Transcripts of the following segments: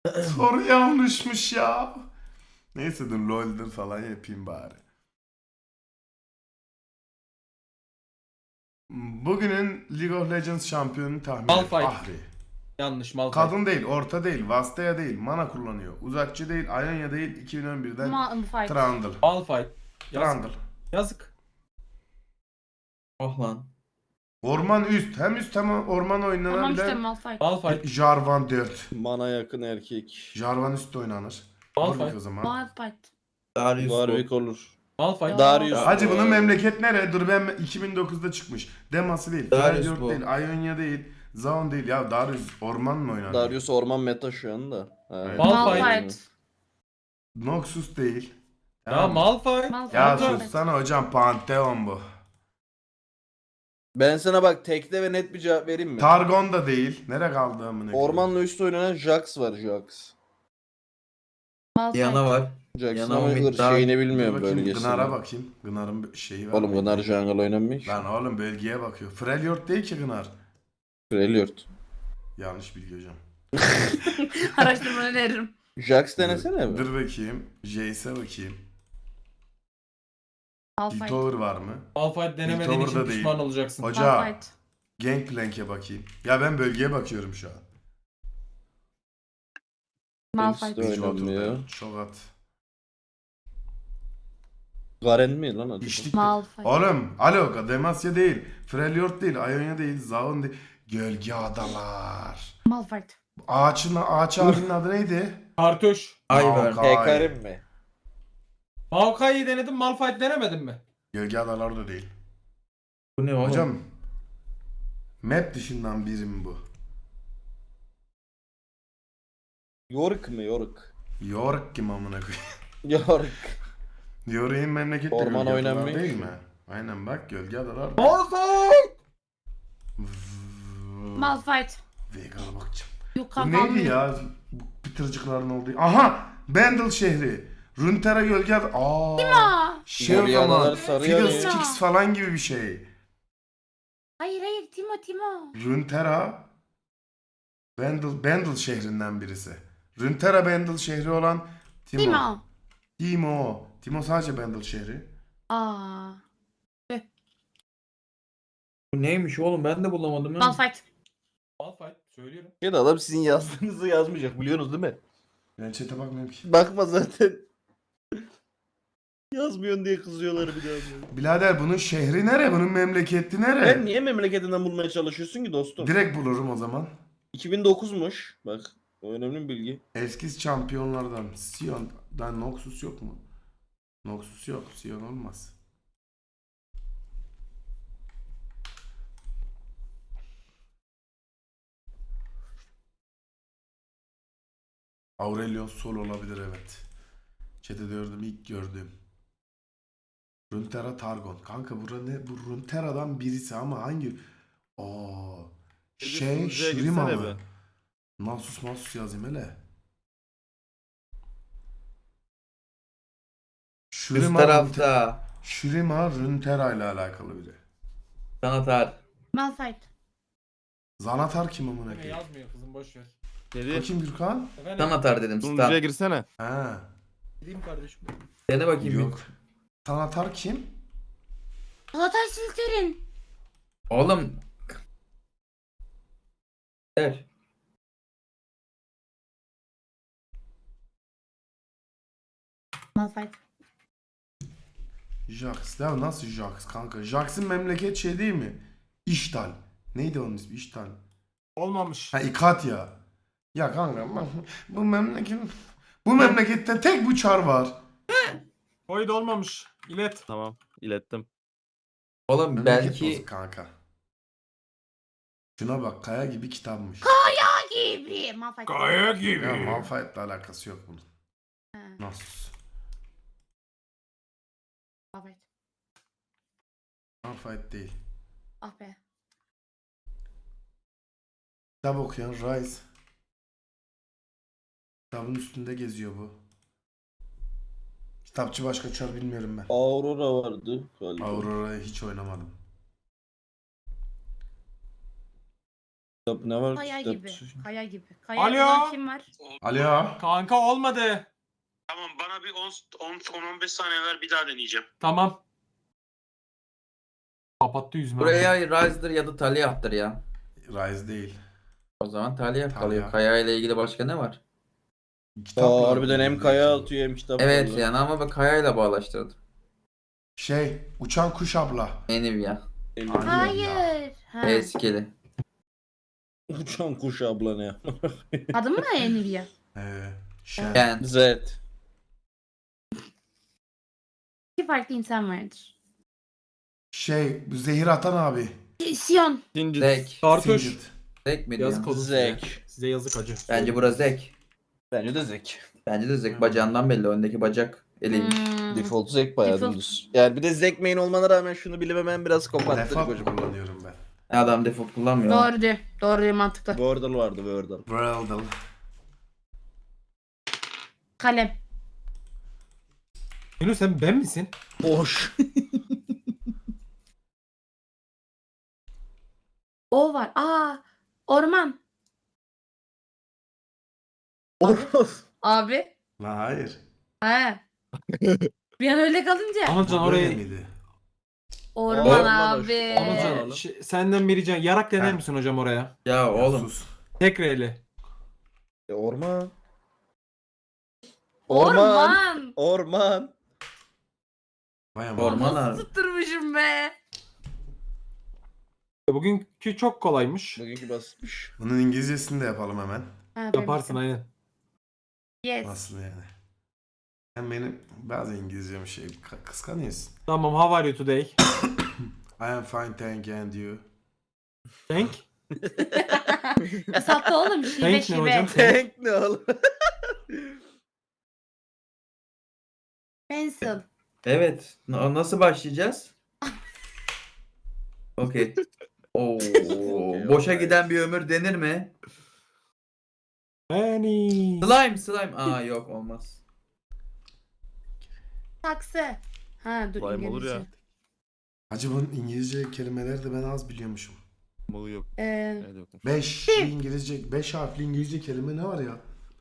Soru yanlışmış ya. Neyse dur LoL'dir falan yapayım bari. Bugünün League of Legends şampiyonunu tahmin et. Malphite. Ahri. Yanlış Malphite. Kadın değil, orta değil, Vastaya değil, mana kullanıyor. Uzakçı değil, Ionia değil, 2011'den Malphite. Trundle. Malphite. Yazık. Trundle. Yazık. Oh lan. Orman üst. Hem üst hem orman Tamam işte oynanabilen Malphite. Malphite. Jarvan 4. Bana yakın erkek. Jarvan üstte oynanır. Malphite. Warwick o zaman. Malphite. Darius Warwick olur. Malphite. Darius. Hacı bunun memleket nere? Dur ben 2009'da çıkmış. Demacy değil, Darius Freljord bu. değil, Ionia değil, Zaun değil. Ya Darius orman mı oynar? Darius orman meta şu anda. Evet. Malphite. Noxus değil. Ya Tamam. Malphite. Malphite. Ya Malphite. sussana hocam, Pantheon bu. Ben sana bak tekte ve net bir cevap vereyim mi? Targon da değil. Nere kaldı amına koyayım? Ormanla üstü oynanan Jax var Jax. Malphite. Yana var. Jax'ın Yana ama Umut daha- şeyini Dur bilmiyorum bakayım, bölgesini. Gınar'a bakayım. Gınar'ın bir şeyi var. Oğlum mı? Gınar jungle oynanmıyor. Lan oğlum bölgeye bakıyor. Freljord değil ki Gınar. Freljord. Yanlış bilgi hocam. Araştırmanı öneririm. Jax denesene mi? Dur bakayım. Jace'e bakayım. Malphite. Piltover var mı? Malphite denemediğin Piltover için da değil. pişman olacaksın. Hoca Malphite. Gangplank'e bakayım. Ya ben bölgeye bakıyorum şu an. Malphite. Öyle Hiç oynanmıyor. oturdu. Çok at. Garen mi lan adı? İçlik. Malphite. Oğlum alo Demacia değil. Freljord değil. Ionia değil. Zaun değil. Gölge adalar. Malphite. Ağaç abinin adı neydi? Kartuş. Ivern. Maokai. Hekarim mi? Maokai'yi denedim. Malphite denemedin mi? Gölge adalar da değil. Bu ne oğlum? Hocam map dışından biri mi bu? Yorick mi Yorick? York kim amına koyayım? Yorick. Yorik'in memlekette Orman gölge adalar oynanmıyor değil ki. mi? Aynen bak gölge adalar. Malphite. Malphite. Vegan'a bakacağım. Yok Bu kanka. neydi ya? Bu pıtırcıkların olduğu. Aha! Bendel şehri. Runeterra gölge adalar. Aa! Şey o Gölge zaman. adalar sarı Fiddlesticks yanıyor. falan gibi bir şey. Hayır Timo. Runeterra Bendel şehrinden birisi. Runeterra Bendel şehri olan Timo. Timo sadece Bendel şehri. Aa. Bu neymiş oğlum, ben de bulamadım. ha. Malphite. Malphite. Söylüyorum. Ya da adam sizin yazdığınızı yazmayacak biliyorsunuz değil mi? Ben chat'e bakmıyorum ki. Bakma zaten. Yazmıyorsun diye kızıyorlar bir daha. Birader bunun şehri nere? Bunun memleketi nere? Sen niye memleketinden bulmaya çalışıyorsun ki dostum? Direkt bulurum o zaman. 2009'muş. Bak o önemli bir bilgi. Eski şampiyonlardan Sion'dan Noxus yok mu? Noxus yok. Sion olmaz. Aurelion Sol olabilir evet. Chat'e gördüm ilk gördüğüm. Runeterra Targon. Kanka ne? Bu Runeterra'dan birisi ama hangi? Aa, Shurima mı? Nasus yazayım hele. Üst tarafta. Shurima Runeterra ile alakalı biri. Sanatar. Malphite. Zanatar kim amına Yine koyayım? yazmıyor kızım, boş ver. Dedi. Bakayım Gürkan. Efendim. Sanatar dedim. Sunucuya Star. girsene. Ha. Gideyim kardeşim. Dene bakayım Yok. Zanatar kim? Çağatay Silter'in. bir. Oğlum. Der. Malphite. Jax. Ya nasıl Jax kanka? Jax'ın memleket şey değil mi? İştal. Neydi onun ismi? İştal. Olmamış. Ha İkatya. Ya kanka bu memlekette tek bu çar var. Koy da olmamış. İlet. Tamam, ilettim. Oğlum Memleket belki bozuk kanka. Şuna bak kaya gibi kitapmış. Gibi. Malphite. Kaya gibi. Ya Malphite'la alakası yok bunun. Ha, Nasus. Malphite. Malphite değil. Ah be. Kitap okuyan Rise. Kitabın üstünde geziyor bu. Kitapçı başka çar bilmiyorum ben. Aurora vardı galiba. Aurora'yı hiç oynamadım. Kitap ne var? Kaya Kitap- gibi. Kaya gibi. Kaya Alo? olan kim var? Alo. Kanka olmadı. Tamam bana bir 10-15 saniye ver bir daha deneyeceğim. Tamam. Kapattı yüzümü. Buraya Rise'dır ya da Talia'dır ya. Rise değil. O zaman Talia Talia. kalıyor. Kaya ile ilgili başka ne var? Aa, harbiden hem kaya atıyor hem kitap Evet var lan. yani ama ben Kaya ile bağlaştırdım. Şey, uçan kuş abla. Nvidia. Hayır. Ha. Eskili. Uçan kuş abla ne? Adın mı Nvidia? Şey. Kent. Z. İki farklı insan vardır. Şey, bu zehir atan abi. Sion. Zek. Kartuş. Singed. Zek mi Yazık diyorsun? olsun size. Zek. Size yazık acı. Bence burası Zek. Bence de Zek. Bence de Zek. Bacağından belli. Öndeki bacak eliymiş. Hmm. Default Zek bayağı Default. dümdüz. Yani bir de Zek main olmana rağmen şunu bilememem biraz kopattırık Default hocam. kullanıyorum ben. Adam default kullanmıyor. Doğru diyor. Doğru diyor, mantıklı. Wordle vardı Wordle. Wordle. Kalem. Yunus sen ben misin? Boş. O var. Aa. Orman. Oros. Abi. La hayır. Ha. Bir an öyle kalınca. Anılcan Bu böyle orayı. miydi? Orman Orman abi. Anılcan senden bir ricam. Yarak dener Ha. misin hocam oraya? Ya oğlum. Sus. Tek reyli. Orman. Orman. Orman. Vay aman. Orman Nasıl abi. tutturmuşum be. Bugünkü çok kolaymış. Bugünkü basitmiş. Bunun İngilizcesini de yapalım hemen. Ha, Yaparsın benim. aynen. Yes. Nasıl yani? Sen benim bazı İngilizcem şey kıskanıyorsun. Tamam, how are you today? I am fine thank you and you. Thank. Kısalttı oğlum. Şive Thank ne şive. hocam? Tank ne oğlum? Pencil. Evet. Nasıl başlayacağız? Okey. Oo, boşa giden bir ömür denir mi? Penny. Slime. Aa yok olmaz. Saksı. Ha dur Slime olur İngilizce. ya. Hacı bunun İngilizce kelimeleri de ben az biliyormuşum. Malı yok. Ee, Nerede yokmuş? 5 İngilizce, 5 harfli İngilizce kelime ne var ya?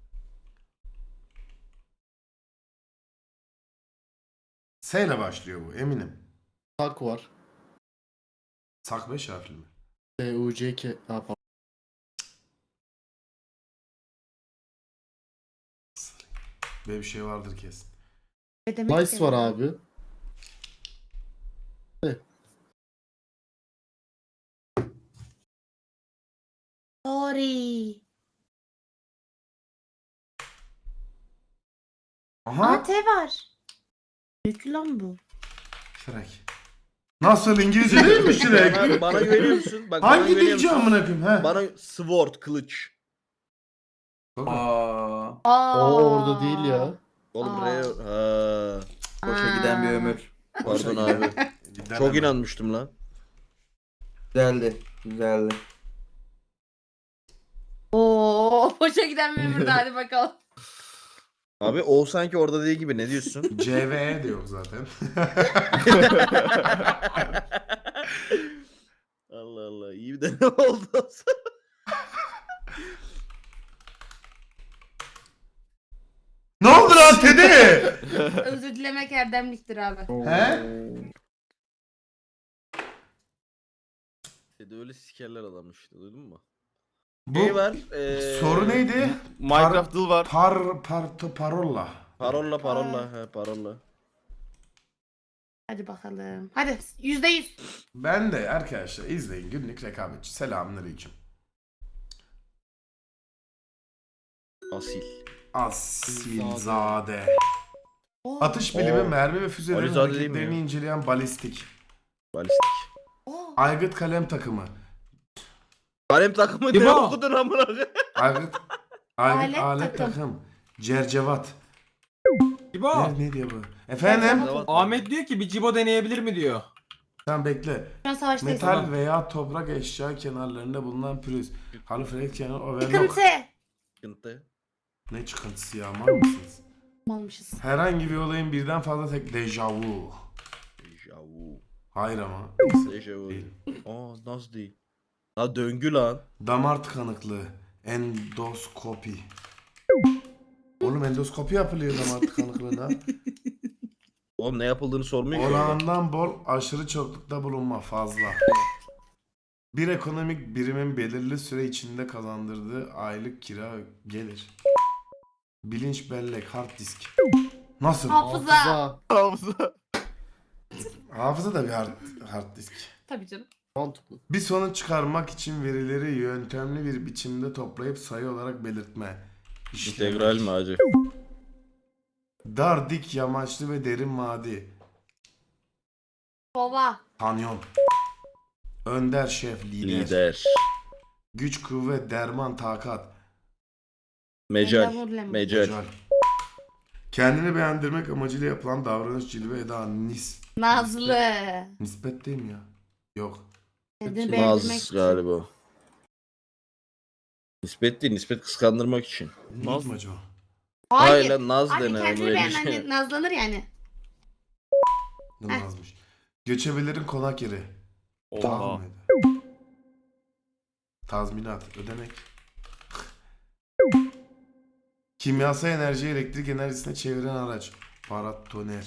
S ile başlıyor bu eminim. Tak var. Sak 5 harfli mi? TUCK. Ha, pardon. Böyle bir şey vardır kesin. ne demek Nice ki? var abi. Sorry. Aha. Aa T var. Büyük lan bu. Shrek. Nasıl İngilizce değil mi Shrek? Bana güveniyor musun? Bak, bana Hangi güveniyor dilci musun? amına koyayım he? Bana sword, kılıç. Aa, Aa. O orada değil ya. Oğlum Aa. buraya... Ha. boşa giden bir ömür. Pardon abi. Çok inanmıştım lan. Güzeldi. Güzeldi. Oo, boşa giden bir ömür, hadi bakalım. Abi o sanki orada değil gibi, ne diyorsun? CVE de yok zaten. Allah Allah, iyi bir deneme oldu. Ne oldu lan Teddy? Özür dilemek erdemliktir abi. He? Dedi öyle sikerler adamı işte, duydun mu? Bu Ne var? soru neydi? Minecraft dıl var. Parolla. Parolla, he parolla. Hadi bakalım. Hadi %100. Ben de arkadaşlar izleyin günlük rekabetçi. Selamünaleyküm. Asil. Asilzade. Atış bilimi, Oo. mermi ve füzelerin Alizade değil mi hareketlerini ya? inceleyen balistik. Balistik. Oo. Aygıt kalem takımı. Kalem takımı ne İbo. okudun amına koyayım? Aygıt Alet alet takım. takım. Cercevat. Cibo. Ne diyor bu? Efendim? Cercevat. Ahmet diyor ki bir cibo deneyebilir mi diyor. Sen bekle. Şu an savaştayız. Metal veya toprak eşya kenarlarında bulunan pürüz. Halifrek kenar overlock. Sıkıntı. Sıkıntı. Ne çıkıntısı ya mal mısınız? Almışız. Herhangi bir olayın birden fazla dejavu. Dejavu. Hayır ama. Dejavu. Değil. Aa nasıl değil? Ha döngü lan. Damar tıkanıklığı. Endoskopi. Oğlum endoskopi yapılıyor damar tıkanıklığına. Oğlum ne yapıldığını sormuyor ki. Olağandan bol, aşırı çoklukta bulunma fazla. Bir ekonomik birimin belirli süre içinde kazandırdığı aylık kira gelir. Bilinç bellek, hard disk. Nasıl? Hafıza. Hafıza. Hafıza da bir hard disk. Tabii canım. Mantıklı. Bir sonuç çıkarmak için verileri yöntemli bir biçimde toplayıp sayı olarak belirtme. İşlemek. İntegral mi hacı? Dar, dik, yamaçlı ve derin vadi. Kova. Kanyon. Önder, şef, lider. Lider. Güç, kuvvet, derman, takat. Mecal. Mecal. Mecal. Mecal. Kendini beğendirmek amacıyla yapılan davranış, cilve, eda, Nazlı. nispet değil mi ya? Yok. Kendini beğendirmek Naz için. galiba. Nispet değil. Nispet kıskandırmak için. Naz mı acaba? Hayır. lan Naz Abi dene. kendini onu beğen öyle hani şey. nazlanır yani. Ne Nazmış? Göçebelerin konak yeri. Dağ Oha. mıydı? Tazminat, ödemek. Kimyasal enerjiyi elektrik enerjisine çeviren araç. Paratoner.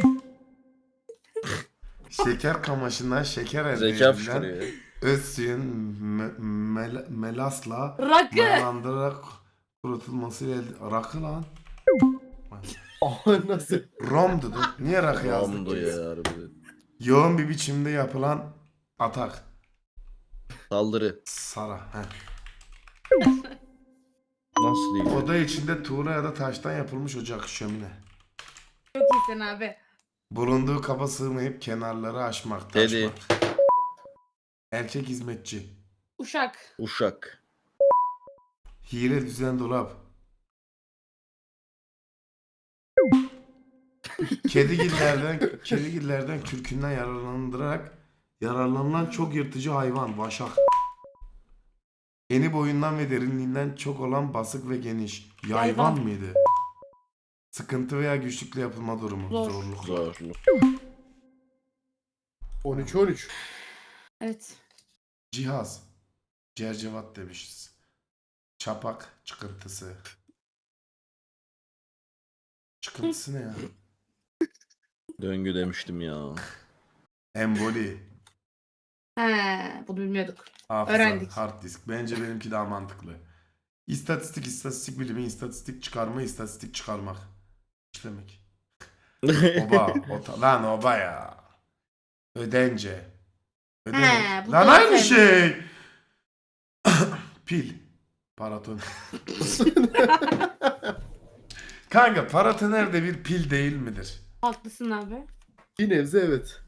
Şeker kamışından şeker elde Zeka edilen fışkırıyor. öz suyun melasla Rakı. mayalandırarak kurutulmasıyla rakı lan. Aha nasıl? Rom dedi. Niye rakı yazdık? Ramdo ya harbiden. Yoğun bir biçimde yapılan atak. Saldırı. Sara. Heh. Nasıl değil? Oda içinde tuğla ya da taştan yapılmış ocak, şömine. Çok iyisin abi. Bulunduğu kaba sığmayıp kenarları aşmak, Dedi. taşmak. Erkek hizmetçi. Uşak. Uşak. Hile düzen dolap. Kedigillerden kürkünden yararlanılan çok yırtıcı hayvan, vaşak. Eni boyundan ve derinliğinden çok olan basık ve geniş. Yayvan Yayvan. mıydı? Sıkıntı veya güçlükle yapılma durumu. Zor. Zorluk. Zorlu. 13-13. Evet. Cihaz. Cercevat demişiz. Çapak çıkıntısı. Çıkıntısı ne ya? Döngü demiştim ya. Emboli. He, bunu bilmiyorduk. Hafıza. Öğrendik. Hard disk. Bence benimki daha mantıklı. İstatistik bilimi, istatistik çıkarma, istatistik çıkarmak. İşlemek. Oba. Lan oba ya. Ödence. He, bu Lan doğru aynı söylüyor. şey. Pil. Paratoner. Kanka paratoner de bir pil değil midir? Haklısın abi. Bir nebze evet.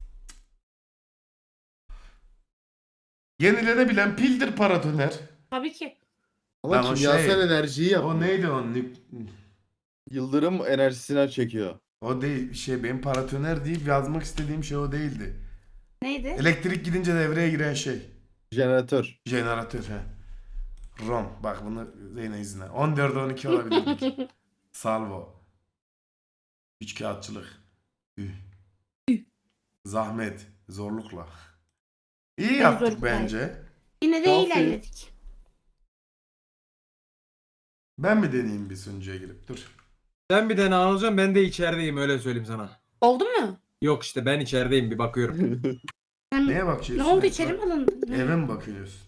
Yenilenebilen pildir paratoner. Tabii ki. Ama Lan o kimyasal şey- enerjiyi yap. O neydi o? Yıldırım enerjisinden çekiyor. O değil. Benim paratoner deyip yazmak istediğim şey o değildi. Neydi? Elektrik gidince devreye giren şey. Jeneratör. Jeneratör he. ROM. Bak bunu Zeynep izle. 14'e 12 olabilir. Salvo. Üçkağıtçılık. Üh. Zahmet. Zorlukla. İyi yaptık zorluk bence. Yine de Aferin. ilerledik. Ben mi deneyeyim bir sunucuya girip? Dur. Sen bir tane alacağım, ben de içerideyim, öyle söyleyeyim sana. Oldu mu? Yok işte ben içerideyim, bir bakıyorum. Sen... Neye Ne bakıyorsun? oldu, içeri mi alındın? Eve mi bakıyorsun?